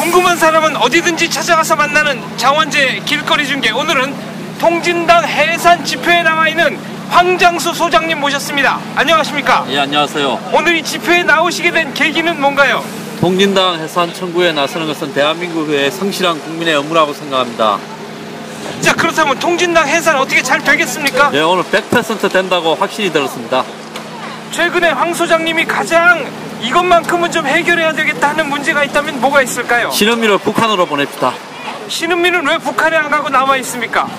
궁금한 사람은 어디든지 찾아가서 만나는 장원재 길거리 중계. 오늘은 통진당 해산 집회에 나와 있는 황장수 소장님 모셨습니다. 안녕하십니까? 예, 안녕하세요. 오늘 이 집회에 나오시게 된 계기는 뭔가요? 통진당 해산 청구에 나서는 것은 대한민국의 성실한 국민의 의무라고 생각합니다. 자, 그렇다면 통진당 해산 어떻게 잘 되겠습니까? 예, 오늘 100% 된다고 확신이 들었습니다. 최근에 황 소장님이 가장 이것만큼은 좀 해결해야 되겠다 하는 문제가 있다면 뭐가 있을까요? 신은미를 북한으로 보냅시다. 신은미는 왜 북한에 안 가고 남아 있습니까?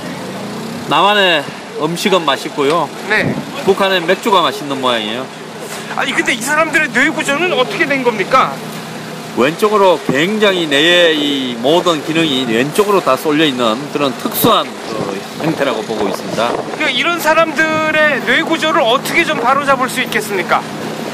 남한의 음식은 맛있고요. 네. 북한의 맥주가 맛있는 모양이에요. 아니 근데 이 사람들의 뇌구조는 어떻게 된 겁니까? 왼쪽으로 굉장히 뇌의 이 모든 기능이 왼쪽으로 다 쏠려 있는 그런 특수한 형태라고 보고 있습니다. 그러니까 이런 사람들의 뇌구조를 어떻게 좀 바로잡을 수 있겠습니까?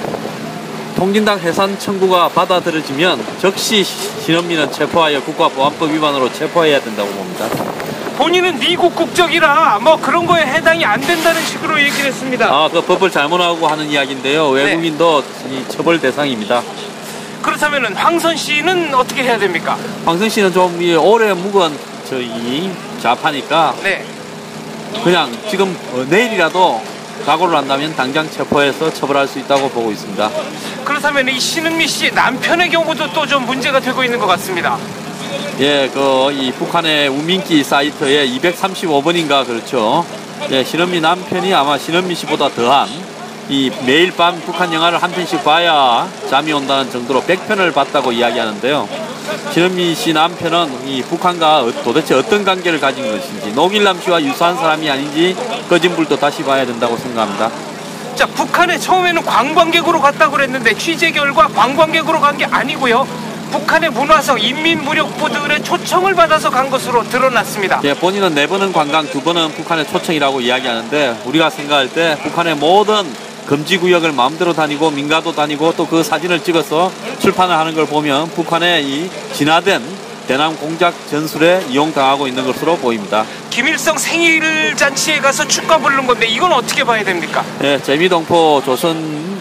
통진당 해산 청구가 받아들여지면 즉시 신은미는 체포하여 국가보안법 위반으로 체포해야 된다고 봅니다. 본인은 미국 국적이라 뭐 그런 거에 해당이 안 된다는 식으로 얘기를 했습니다. 아, 그 법을 잘못하고 하는 이야기인데요. 외국인도 이 처벌 대상입니다. 그렇다면은 황선 씨는 어떻게 해야 됩니까? 황선 씨는 좀 오래 묵은 저희 좌파니까 네. 그냥 지금 내일이라도 각오를 한다면 당장 체포해서 처벌할 수 있다고 보고 있습니다. 그렇다면 이 신은미 씨 남편의 경우도 또 좀 문제가 되고 있는 것 같습니다. 예, 이 북한의 우민기 사이트에 235번인가 그렇죠. 예, 신은미 남편이 아마 신은미 씨보다 더한 이 매일 밤 북한 영화를 한 편씩 봐야 잠이 온다는 정도로 100편을 봤다고 이야기하는데요. 신은미 씨 남편은 이 북한과 도대체 어떤 관계를 가진 것인지, 노길남 씨와 유사한 사람이 아닌지 거짓말도 다시 봐야 된다고 생각합니다. 자, 북한에 처음에는 관광객으로 갔다고 그랬는데 취재 결과 관광객으로 간 게 아니고요. 북한의 문화성 인민무력부들의 초청을 받아서 간 것으로 드러났습니다. 예, 본인은 4번은 관광, 2번은 북한의 초청이라고 이야기하는데 우리가 생각할 때 북한의 모든 금지구역을 마음대로 다니고 민가도 다니고 또 그 사진을 찍어서 출판을 하는 걸 보면 북한의 이 진화된 대남 공작 전술에 이용당하고 있는 것으로 보입니다. 김일성 생일 잔치에 가서 축가 부르는 건데 이건 어떻게 봐야 됩니까? 예, 재미동포 조선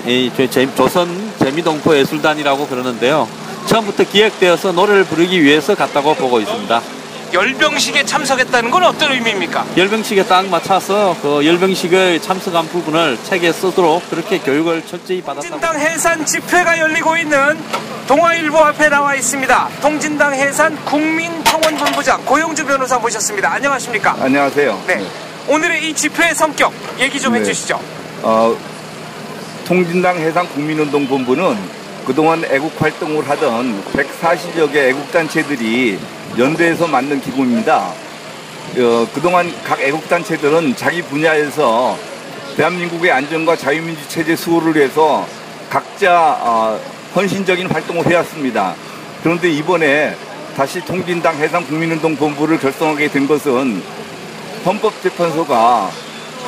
재미동포 예술단이라고 그러는데요. 처음부터 기획되어서 노래를 부르기 위해서 갔다고 보고 있습니다. 열병식에 참석했다는 건 어떤 의미입니까? 열병식에 딱 맞춰서 그 열병식에 참석한 부분을 책에 쓰도록 그렇게 교육을 철저히 받았다고. 통진당 해산 집회가 열리고 있는 동아일보 앞에 나와 있습니다. 통진당 해산 국민청원본부장 고영주 변호사 모셨습니다. 안녕하십니까? 안녕하세요. 네. 오늘의 이 집회의 성격 얘기 좀 해주시죠. 통진당 해산 국민운동본부는 그동안 애국 활동을 하던 140여 개 애국단체들이 연대해서 만든 기구입니다. 그동안 각 애국단체들은 자기 분야에서 대한민국의 안전과 자유민주 체제 수호를 위해서 각자 헌신적인 활동을 해왔습니다. 그런데 이번에 다시 통진당 해산 국민운동본부를 결성하게 된 것은 헌법재판소가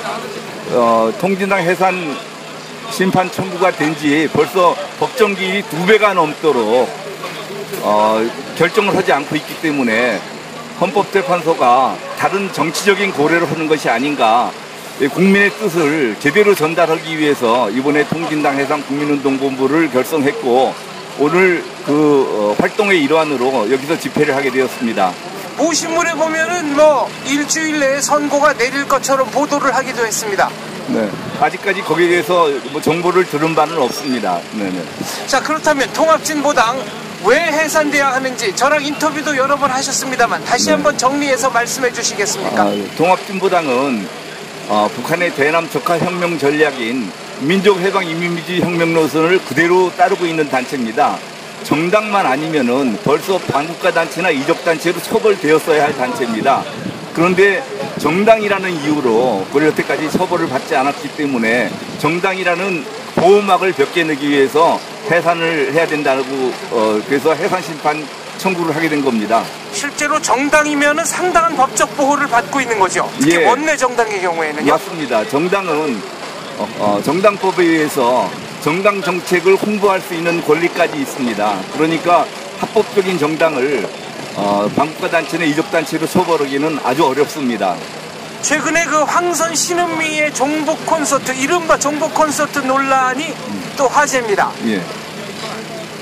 통진당 해산 심판 청구가 된 지 벌써 법정 기일이 2배가 넘도록 결정을 하지 않고 있기 때문에 헌법재판소가 다른 정치적인 고려를 하는 것이 아닌가, 국민의 뜻을 제대로 전달하기 위해서 이번에 통진당 해산 국민운동본부를 결성했고 오늘 그 활동의 일환으로 여기서 집회를 하게 되었습니다. 모신물에 보면은 뭐 일주일 내에 선고가 내릴 것처럼 보도를 하기도 했습니다. 네, 아직까지 거기에 대해서 뭐 정보를 들은 바는 없습니다. 네네. 자, 그렇다면 통합진보당 왜 해산돼야 하는지 저랑 인터뷰도 여러 번 하셨습니다만 다시 한번 정리해서 말씀해 주시겠습니까? 통합진보당은 북한의 대남 적화혁명 전략인 민족해방인민주의 혁명 노선을 그대로 따르고 있는 단체입니다. 정당만 아니면은 벌써 반국가 단체나 이적 단체로 처벌되었어야 할 단체입니다. 그런데 정당이라는 이유로 우리 여태까지 처벌을 받지 않았기 때문에 정당이라는 보호막을 벗겨내기 위해서 해산을 해야 된다고 그래서 해산 심판 청구를 하게 된 겁니다. 실제로 정당이면은 상당한 법적 보호를 받고 있는 거죠. 특히 예. 원내 정당의 경우에는요. 맞습니다. 정당은 정당법에 의해서 정당 정책을 홍보할 수 있는 권리까지 있습니다. 그러니까 합법적인 정당을 반국가 단체나 이적 단체로 처벌하기는 아주 어렵습니다. 최근에 그 황선 신은미의 종북 콘서트, 이른바 종북 콘서트 논란이 또 화제입니다. 예.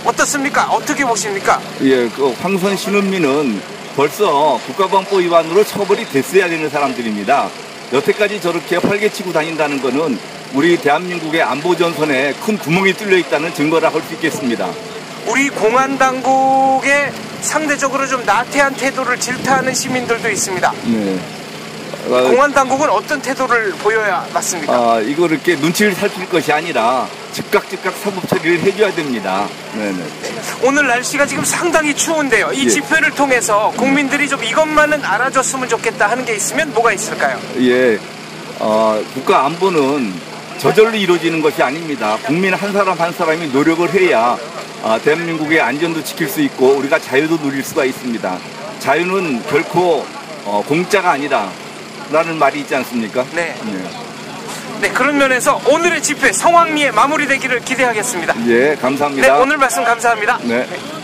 어떻습니까? 어떻게 보십니까? 예, 그 황선 신은미는 벌써 국가보안법 위반으로 처벌이 됐어야 되는 사람들입니다. 여태까지 저렇게 활개치고 다닌다는 것은 우리 대한민국의 안보전선에 큰 구멍이 뚫려 있다는 증거라 할 수 있겠습니다. 우리 공안당국의 상대적으로 좀 나태한 태도를 질타하는 시민들도 있습니다. 네. 공안당국은 어떤 태도를 보여야 맞습니까? 이거 이렇게 눈치를 살필 것이 아니라 즉각 사법 처리를 해줘야 됩니다. 네네. 오늘 날씨가 지금 상당히 추운데요. 이 예. 집회를 통해서 국민들이 좀 이것만은 알아줬으면 좋겠다 하는 게 있으면 뭐가 있을까요? 예, 국가 안보는 저절로 이루어지는 것이 아닙니다. 국민 한 사람 한 사람이 노력을 해야 대한민국의 안전도 지킬 수 있고 우리가 자유도 누릴 수가 있습니다. 자유는 결코 공짜가 아니다 라는 말이 있지 않습니까? 네. 네, 그런 면에서 오늘의 집회 성황리에 마무리되기를 기대하겠습니다. 예, 감사합니다. 네, 오늘 말씀 감사합니다. 네.